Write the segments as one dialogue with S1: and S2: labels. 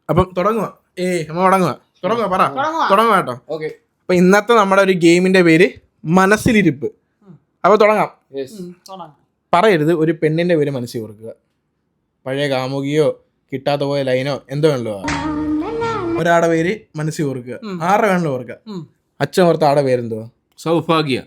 S1: അപ്പം തുടങ്ങുക. തുടങ്ങുക പറ. തുടങ്ങുക കേട്ടോ.
S2: ഓക്കെ.
S1: അപ്പൊ ഇന്നത്തെ നമ്മുടെ ഒരു ഗെയിമിന്റെ പേര് മനസ്സിലിരിപ്പ്. അപ്പൊ തുടങ്ങാം. പറയരുത്, ഒരു പെണ്ണിന്റെ പേര് മനസ്സിൽ ഓർക്കുക. പഴയ കാമുകിയോ കിട്ടാത്ത പോയ ലൈനോ എന്തോ വേണല്ലോ. ഒരാടെ പേര് മനസ്സിൽ ഓർക്കുക. ആരുടെ വേണല്ലോ ഓർക്കുക. അച്ഛൻ ഓർത്ത ആടെ പേരെന്തോ?
S2: സൗഭാഗ്യ.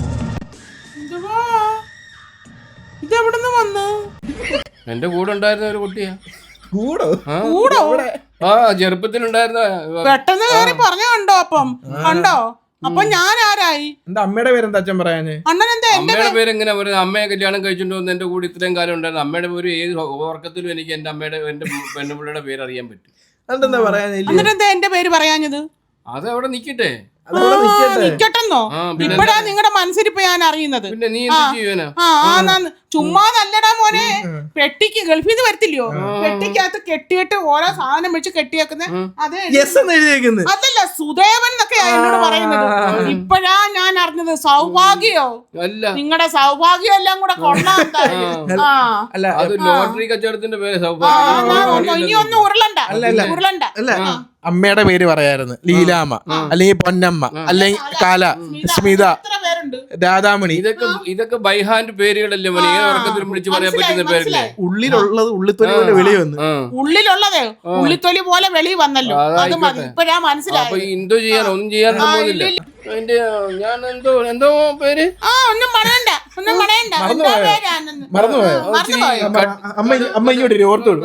S3: ഇതെവിടുന്ന് വന്നു?
S2: എന്റെ കൂടെ ഉണ്ടായിരുന്ന ഒരു കുട്ടിയാ.
S1: കൂടോ?
S2: ആ ചെറുപ്പത്തിലുണ്ടായിരുന്ന.
S3: പെട്ടെന്ന് കയറി പറഞ്ഞ കണ്ടോ? കണ്ടോ? അപ്പൊ ഞാൻ ആരായി?
S1: എന്റെ അമ്മയുടെ പേരെന്താ അച്ഛൻ പറയാന്?
S3: അണ്ണൻ എന്താ?
S2: അമ്മയുടെ പേര് എങ്ങനെ പറയുന്നത്? അമ്മയെ കല്യാണം കഴിച്ചിട്ട് വന്ന് എന്റെ കൂടെ ഇത്രയും കാലം ഉണ്ടായിരുന്നു. അമ്മയുടെ പേര് ഏത് ഓർക്കത്തിലും എനിക്ക് എന്റെ പെണ്ണുപിള്ളയുടെ പേര് അറിയാൻ പറ്റും.
S1: അതെന്താ പറയാൻ?
S3: എന്നിട്ടെന്താ എന്റെ പേര് പറയാഞ്ഞത്?
S2: അത് അവിടെ നിക്കട്ടെ.
S3: നിക്കട്ടെന്നോ? ഇപ്പഴാ നിങ്ങളുടെ മനസ്സിരിപ്പ് ഞാൻ അറിയുന്നത്.
S2: പിന്നെ നീ എന്ത് ചെയ്യാനാ?
S3: ചുമ്മാ നല്ലടാ മോനെ. പെട്ടിക്ക് ഗൾഫിൽ നിന്ന് വരത്തില്ലയോ? പെട്ടിക്കകത്ത് കെട്ടിയിട്ട് ഓരോ സാധനം വെച്ച് കെട്ടിയേക്കുന്ന അതല്ല സുദേവൻ എന്നൊക്കെയാ എന്നോട് പറയുന്നത്. ഇപ്പഴാ ഞാൻ അറിഞ്ഞത്. സൗഭാഗ്യോ? നിങ്ങളുടെ സൗഭാഗ്യം എല്ലാം കൂടെ കൊള്ളാം.
S2: ലോട്ടറി കച്ചവടത്തിന്റെ പേര് സൗഭാഗ്യം.
S3: ഇനി ഒന്നും ഉരുളണ്ട.
S1: അമ്മയുടെ പേര് പറയായിരുന്നു. ലീലാമ്മ, അല്ലെങ്കിൽ പൊന്നമ്മ, അല്ലെങ്കിൽ കാല, സ്മിത, രാധാമണി.
S2: ഇതൊക്കെ ബൈഹാൻഡ് പേരുകളല്ലേ മോനെ? ഏത് ഉറക്കത്തിലും വിളിച്ച് പറയാൻ പറ്റുന്ന പേരല്ലേ?
S1: ഉള്ളിലുള്ളത് ഉള്ളിത്തൊലി പോലെ വെളി വന്നു.
S3: ഉള്ളിലുള്ളത് ഉള്ളിത്തൊലി പോലെ വെളി വന്നല്ലോ. അത് മതി. ഇപ്പഴാ മനസ്സിലായി.
S2: അപ്പൊ എന്തോ ചെയ്യാൻ ഒന്നും ചെയ്യാൻ പോകുന്നില്ല. ഞാൻ എന്തോ പേര്
S3: ഒന്നും പറയണ്ട.
S1: മറന്നുപോയോ? അമ്മ ഇങ്ങോട്ട് ഓർത്തോളൂ.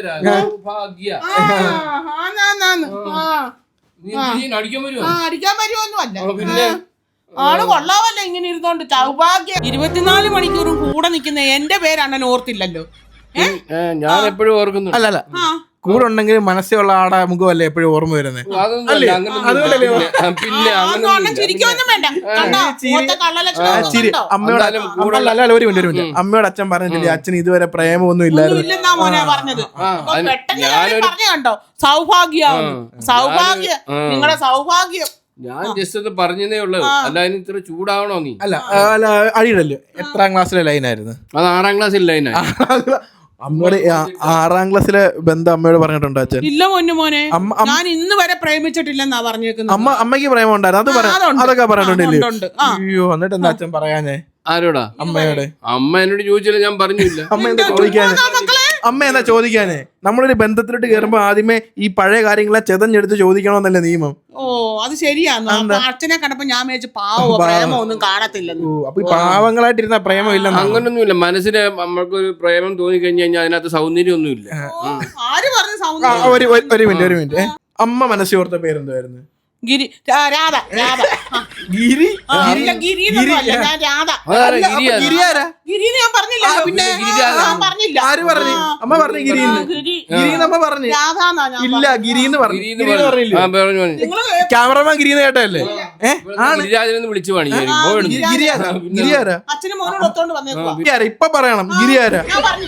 S3: അടിക്കാൻ വരുമൊന്നും അല്ല. പിന്നെ ആള് കൊള്ളാവല്ലോ ഇങ്ങനെ ഇരുന്നോണ്ട്. സൗഭാഗ്യം 24 മണിക്കൂറും കൂടെ നിൽക്കുന്ന എന്റെ പേര് അണ്ണൻ ഓർത്തില്ലല്ലോ.
S2: ഞാൻ എപ്പോഴും ഓർക്കുന്നു.
S1: അല്ലല്ല, കൂടെ ഉണ്ടെങ്കിൽ മനസ്സിലുള്ള ആടെ മുഖമല്ലേ എപ്പോഴും ഓർമ്മ വരുന്നത്. അമ്മയോട് അച്ഛൻ പറഞ്ഞിട്ടില്ലേ അച്ഛൻ ഇതുവരെ പ്രേമൊന്നും ഇല്ലായിരുന്നു.
S3: നിങ്ങളുടെ സൗഭാഗ്യം.
S2: ഞാൻ ജസ്റ്റ് ഒന്ന് പറഞ്ഞതേ ഉള്ളൂ. അല്ല അതിന് ഇത്ര ചൂടാവണോ നീ?
S1: അല്ല അടിയിടല്ലോ. എത്രാം ക്ലാസ്സിലെ ലൈനായിരുന്നു?
S2: അത് 6ാം ക്ലാസ്സിൽ ലൈനായിരുന്നു.
S1: അമ്മയോട് 6ാം ക്ലാസ്സിലെ ബന്ധം അമ്മയോട് പറഞ്ഞിട്ടുണ്ടോ അച്ഛൻ?
S3: ഇല്ല മോനെ, ഞാൻ ഇന്ന് വരെ പ്രേമിച്ചിട്ടില്ലെന്നാ പറഞ്ഞേക്കുന്നത്.
S1: അമ്മയ്ക്ക് പ്രേമം ഉണ്ടായിരുന്നു. അതൊക്കെ പറഞ്ഞിട്ടുണ്ടല്ലേ? അയ്യോ, എന്നിട്ട് എന്താ അച്ഛൻ പറയാഞ്ഞേ?
S2: ആരോടാ?
S1: അമ്മയോട്.
S2: അമ്മ എന്നോട് ചോദിച്ചില്ല, ഞാൻ പറഞ്ഞില്ല.
S1: അമ്മ എന്താ ചോദിക്കാനേ? നമ്മളൊരു ബന്ധത്തിലോട്ട് കയറുമ്പോ ആദ്യമേ ഈ പഴയ കാര്യങ്ങളെ ചെതഞ്ഞെടുത്ത് ചോദിക്കണമെന്നല്ലേ നിയമം.
S3: ഓ അത് ശരിയാന്ന്. അച്ഛനെ കണ്ടപ്പോ ഞാൻ വിചാരിച്ചു പാവോ പ്രേമം ഒന്നും കാണത്തില്ലെന്ന്.
S1: അപ്പൊ ഈ പാവങ്ങളായിട്ടിരുന്ന പ്രേമം ഇല്ല.
S2: അങ്ങനൊന്നുമില്ല. മനസ്സിന് നമ്മൾക്കൊരു പ്രേമം തോന്നി കഴിഞ്ഞു കഴിഞ്ഞാൽ അതിനകത്ത് സൗന്ദര്യം ഒന്നും ഇല്ല.
S3: ആര് പറഞ്ഞു സൗന്ദര്യം?
S1: ഒരു മിനിറ്റ്. അമ്മ മനസ്സിൽ ഓർത്ത പേരെന്തായിരുന്നു?
S3: ഗിരി. രാധ.
S1: ഗിരി?
S3: ഗിരി ഞാൻ രാധ. ഗിരി ഞാൻ പറഞ്ഞില്ല. പിന്നെ പറഞ്ഞില്ല.
S1: ആര് പറഞ്ഞു? അമ്മ പറഞ്ഞു ഗിരിന്ന്. അമ്മ പറഞ്ഞു ഇല്ല ഗിരിന്ന് പറഞ്ഞു. ക്യാമറമാൻ ഗിരിന്ന് കേട്ടല്ലേ?
S2: വിളിച്ചു
S3: അച്ഛനും മോനോട് ഒത്തോണ്ട് വന്നേക്കുവാ.
S1: ഇപ്പൊ പറയണം ഗിരിയാരാ.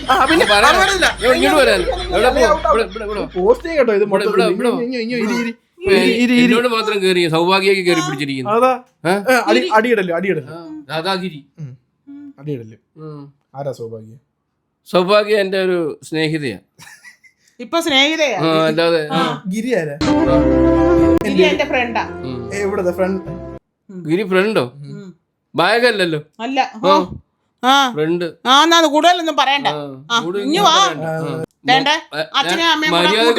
S1: പോസ്റ്റ് കേട്ടോ ഇത്
S2: എന്നോട് മാത്രം കേറി സൗഭാഗ്യ കയറി പിടിച്ചിരിക്കുന്നു.
S1: ആരാ സൗഭാഗ്യ?
S2: സൗഭാഗ്യ എന്റെ ഒരു സ്നേഹിതയാ.
S3: ഇപ്പൊ സ്നേഹിതയാ?
S2: അല്ലാതെ
S1: ഗിരി ആരാ?
S3: ഗിരി എന്റെ ഫ്രണ്ടാ.
S1: എവിടത്തെ ഫ്രണ്ട്?
S2: ഗിരി ഫ്രണ്ടോ? ബാഗല്ലല്ലോ.
S3: അല്ല
S2: ഫ്രണ്ട്.
S3: കൂടുതലൊന്നും പറയണ്ട. ഇഞ്ഞു വാ. അച്ഛനെ അമ്മയും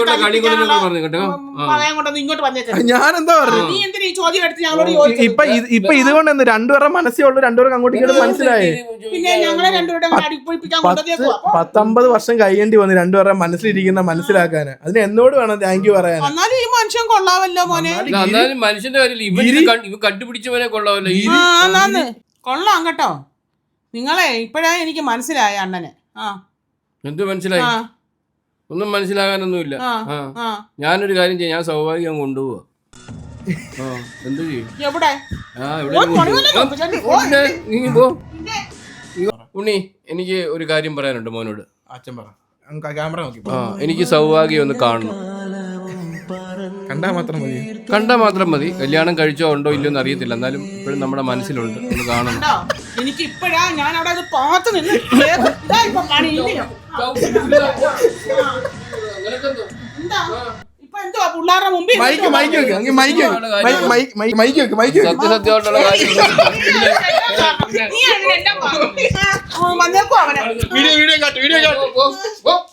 S3: ഇങ്ങോട്ട് വന്നേക്കാം.
S1: ഞാനെന്താ പറഞ്ഞു?
S3: നീ എന്തിനാ ഈ ചോദ്യം എടുത്ത് ഞങ്ങളോട്?
S1: ഇപ്പൊ ഇതുകൊണ്ട് രണ്ടുപേരുടെ മനസ്സേ ഉള്ളൂ. രണ്ടുപേർക്ക് അങ്ങോട്ട് ഇങ്ങോട്ട് മനസ്സിലായി.
S3: പിന്നെ ഞങ്ങളെ രണ്ടുപേരുടെ
S1: 19 വർഷം കഴിയേണ്ടി വന്നു രണ്ടുപേരുടെ മനസ്സിലിരിക്കുന്ന മനസ്സിലാക്കാന്. അതിന് എന്നോട് വേണം താങ്ക് യു പറയാൻ.
S3: എന്നാലും ഈ മനുഷ്യൻ കൊള്ളാവല്ലോ മോനെ.
S2: മനുഷ്യന്റെ കാര്യമില്ല, കണ്ടുപിടിച്ചവനെ കൊള്ളാവല്ലോ.
S3: കൊള്ളാം കേട്ടോ. നിങ്ങളെ ഇപ്പഴാ എനിക്ക് മനസ്സിലായ അണ്ണനെ.
S2: എന്ത് മനസ്സിലായി? ഒന്നും മനസ്സിലാകാനൊന്നുമില്ല. ഞാനൊരു കാര്യം ചെയ്യാം, ഞാൻ സൗഭാഗ്യം കൊണ്ടുപോവാ. എന്ത് ചെയ്യും? ഉണ്ണി, എനിക്ക് ഒരു കാര്യം പറയാനുണ്ട് മോനോട്.
S1: അച്ഛൻ പറ. ക്യാമറ നോക്കി.
S2: എനിക്ക് സൗഭാഗ്യം ഒന്ന് കാണണം. കണ്ടാ മാത്രം മതി. കല്യാണം കഴിച്ചോ ഉണ്ടോ ഇല്ലയോ എന്ന് അറിയത്തില്ല, എന്നാലും ഇപ്പോഴും നമ്മുടെ മനസ്സിലുണ്ട്. ഒന്ന് കാണണം.
S3: എനിക്ക് ഇപ്പഴാ ഞാൻ അവിടെ പാത്ത് നിന്ന് എന്തുവാ പിള്ളേരുടെ മുമ്പിൽ
S1: മൈക്ക് വെക്ക് അങ്ങ് മൈക്ക് വെക്ക്
S2: സത്യസത്യമായിട്ടുള്ള കാര്യം
S3: നീ അതിനെല്ലാം വന്നേക്കോ അവനെ
S1: വീഡിയോ കാട്ട്